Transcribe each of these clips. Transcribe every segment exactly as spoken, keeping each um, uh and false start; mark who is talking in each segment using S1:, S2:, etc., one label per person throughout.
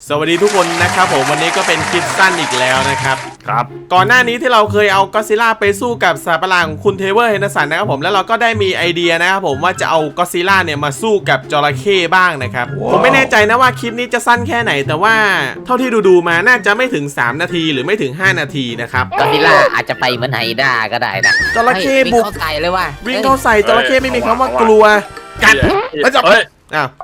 S1: สวัสดีทุกคนนะครับผมวันนี้ก็เป็นคลิปสั้นอีกแล้วนะครับ
S2: ครับ
S1: ก่อนหน้านี้ที่เราเคยเอาก็อดซิลล่าไปสู้กับสัตว์ประหลาดของคุณเทเวอร์เฮนเดอร์สันนะครับผมแล้วเราก็ได้มีไอเดียนะครับผมว่าจะเอาก็อดซิลล่าเนี่ยมาสู้กับจระเข้บ้างนะครับ wow. ผมไม่แน่ใจนะว่าคลิปนี้จะสั้นแค่ไหนแต่ว่าเท่าที่ดูๆมาน่าจะไม่ถึงสามนาทีหรือไม่ถึงห้านาทีนะครับ
S3: ก็อดซิลล่าอาจจะไปเหมือนไฮด้าก็ได้นะ
S1: จระเข้บุก
S3: เข้าใส่เลยว่ะ
S1: วิ่งเข้าใส่จระเข้ไม่มีคำว่ากลัวกัดแล้วจับอ้าว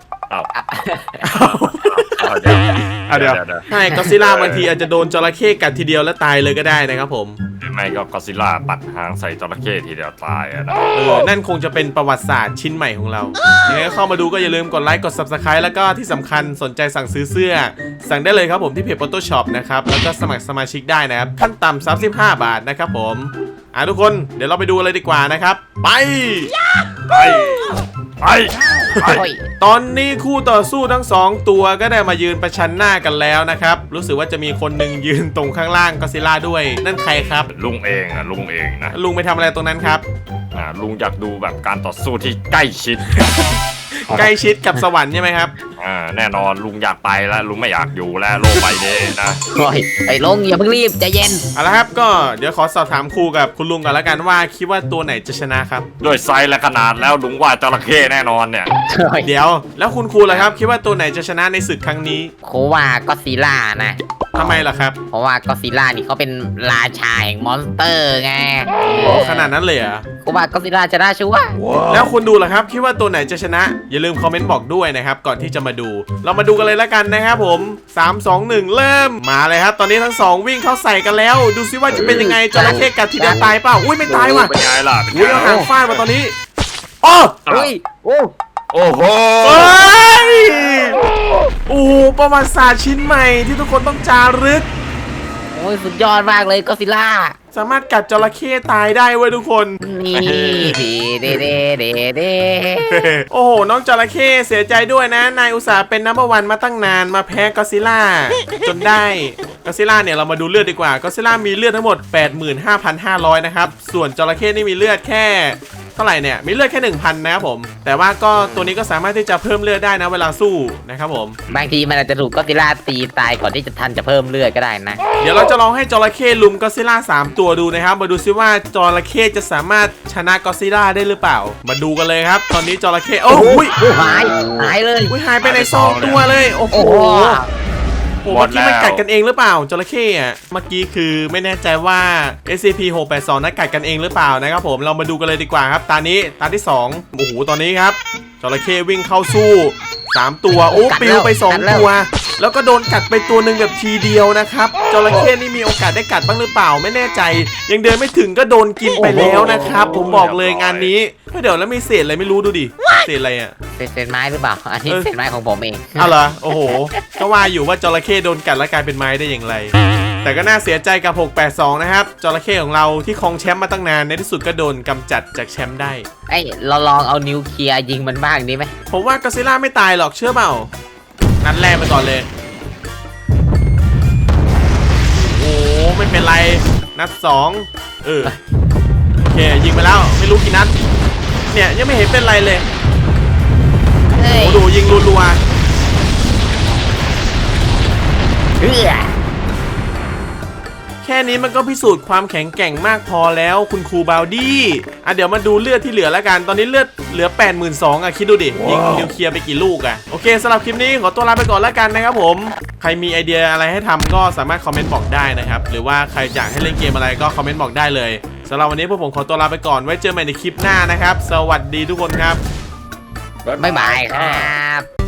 S2: เอาเดี๋ยวเอาเดี๋ยว
S1: ใช่ก็อดซิลล่าบางทีอาจจะโดนจระเข้กัดทีเดียวแล้วตายเลยก็ได้นะครับผม
S2: ไม่ก็ก็อดซิลล่าปัดหางใส่จระเข้ทีเดียวตายอะนะ
S1: เออนั่นคงจะเป็นประวัติศาสตร์ชิ้นใหม่ของเรายังไงก็เข้ามาดูก็อย่าลืมกดไลค์กด ซับสไครบ์ แล้วก็ที่สำคัญสนใจสั่งซื้อเสื้อสั่งได้เลยครับผมที่เพจ Photoshop นะครับแล้วก็สมัครสมาชิกได้นะครับขั้นต่ำสามสิบห้าบาทนะครับผมอ่ะทุกคนเดี๋ยวเราไปดูเลยดีกว่านะครับไป
S2: ไปไป
S1: ตอนนี้คู่ต่อสู้ทั้งสองตัวก็ได้มายืนประชันหน้ากันแล้วนะครับรู้สึกว่าจะมีคนหนึ่งยืนตรงข้างล่างก็อดซิลล่าด้วยนั่นใครครับ
S2: ลุงเองอะลุงเองนะ
S1: ลุงไปทำอะไรตรงนั้นครับ
S2: อ่าลุงอยากดูแบบการต่อสู้ที่ใกล้ชิด
S1: ใกล้ชิดกับสวรรค์ใช่ไหมครับ
S2: อ่าแน่นอนลุงอยากไปแล้วลุงไม่อยากอยู่แล้วโลกใบนี้นะ
S3: โอ้ยไอ้ลุงอย่าเพิ่งรีบใจเย็น
S1: เอาละครับก็เดี๋ยวขอสอบถามครูกับคุณลุงก่อนละกันว่าคิดว่าตัวไหนจะชนะครับ
S2: ด้วยไซส์และขนาดแล้วลุงว่าจระเข้แน่นอนเนี่ย
S1: เดี๋ยวแล้วคุณครูล่ะครับคิดว่าตัวไหนจะชนะในศึกครั้งนี้
S3: ครูว่าก็อดซิลล่านะ
S1: ทำไมล่ะครับ
S3: เพราะว่าก็อดซิลล่านี่เขาเป็นราชาแห่งมอนสเตอร์ไง
S1: โอ้ขนาดนั้นเลยเหรอ
S3: ครูว่าก็อดซิลล่าจะได้ชัวร์
S1: แล้วคุณดูล่ะครับคิดว่าตัวไหนจะชนะอย่าลืมคอมเมนต์บอกด้วยนะครับก่อนที่จะมาดูเรามาดูกันเลยละกันนะครับผมสาม สอง หนึ่งเริ่มมาเลยครับตอนนี้ทั้งสองวิ่งเข้าใส่กันแล้วดูซิว่าจะเป็นยังไงจระเข้กัดทีเดียวตายเปล่าอุ้ยไม่ตายว่ะ
S2: เป็นไงล่ะ
S1: อุ้ยเอาหางฟาดมาตอนนี้โอ้
S3: เฮ้ยโอ้
S2: โอ้โห
S1: โอ้ประวัติศาสตร์ชิ้นใหม่ที่ทุกคนต้องจารึก
S3: โอ้ยสุดยอดมากเลยก็อดซิลล่า
S1: สามารถกัดจระเข้ตายได้เว้ยทุกคน
S3: นี่ดีเด้เด้เด้เด้
S1: โอ้โหน้องจระเข้เสียใจด้วยนะนายอุตส่าห์เป็นนัมเบอร์วันมาตั้งนานมาแพ้ก็อดซิลล่าจนได้ก็อดซิลล่าเนี่ยเรามาดูเลือดดีกว่าก็อดซิลล่ามีเลือดทั้งหมด แปดหมื่นห้าพันห้าร้อย นะครับส่วนจระเข้นี่มีเลือดแค่เท่าไหร่เนี่ยมีเลือดแค่ หนึ่งพัน นะครับผมแต่ว่าก็ตัวนี้ก็สามารถที่จะเพิ่มเลือดได้นะเวลาสู้นะครับผม
S3: บางทีมันอาจจะถูกก็อดซิลล่าตีตายก่อนที่จะทันจะเพิ่มเลือดก็ได้นะ
S1: เดี๋ยวเราจะลองให้จระเข้ลุมก็อดซิลล่าสามตัวดูนะครับมาดูซิว่าจระเข้จะสามารถชนะก็อดซิลล่าได้หรือเปล่ามาดูกันเลยครับตอนนี้จระเข้โอ้ย
S3: หายหายเลย
S1: หายไปในซองตัวเลยโอ้โหโอ้เมื่อกี้มันกัดกันเองหรือเปล่าจระเข้อะเมื่อกี้คือไม่แน่ใจว่า เอส ซี พี หกแปดสอง นั้นกัดกันเองหรือเปล่านะครับผมเรามาดูกันเลยดีกว่าครับตานี้ตาที่สองโอ้โหตอนนี้ครับจระเข้วิ่งเข้าสู้สามตัวโอ้ปิวไปสองตัวแล้วก็โดนกัดไปตัวหนึ่งแบบทีเดียวนะครับจระเข้นี่มีโอกาสได้กัดบ้างหรือเปล่าไม่แน่ใจยังเดินไม่ถึงก็โดนกินไปแล้วนะครับผมบอกเลยงานนี้เดี๋ยวแล้วมีเศษอะไรไม่รู้ดูดิเศษอะไรอ่ะ
S3: เศษไม้หรือเปล่าอันนี้เศษไม้ของผมเอง
S1: เอาเหรอโอ้โหก็ว่าอยู่ว่าจระเข้โดนกัดแล้วกลายเป็นไม้ได้อย่างไรแต่ก็น่าเสียใจกับหกแปดสองนะครับจระเข้ของเราที่ครองแชมป์มาตั้งนานในที่สุดก็โดนกำจัดจากแชมป์ได้
S3: ไอ้เราลองเอานิวเคลียร์ยิงมันบ้างดีไหม
S1: ผมว่าก็อดซิลล่าไม่ตายหรอกเชื่อเปล่านัดแรกไปก่อนเลยโอ้ไม่เป็นไรนัดสองเออโอเคยิงไปแล้วไม่รู้กี่นัดเนี่ยยังไม่เห็นเป็นไรเลยโอ้ดูยิงรัวๆแค่นี้มันก็พิสูจน์ความแข็งแกร่งมากพอแล้วคุณครูบาวดี้อ่ะเดี๋ยวมาดูเลือดที่เหลือแล้วกันตอนนี้เลือดเหลือ แปดหมื่นสองพัน อ่ะคิดดูดิยิงนิวเคลียร์ไปกี่ลูกอ่ะโอเคสำหรับคลิปนี้ขอตัวลาไปก่อนแล้วกันนะครับผมใครมีไอเดียอะไรให้ทำก็สามารถคอมเมนต์บอกได้นะครับหรือว่าใครอยากให้เล่นเกมอะไรก็คอมเมนต์บอกได้เลยสำหรับวันนี้พวกผมขอตัวลาไปก่อนไว้เจอใหม่ในคลิปหน้านะครับสวัสดีทุกคนครับ
S3: บ๊ายบายครับ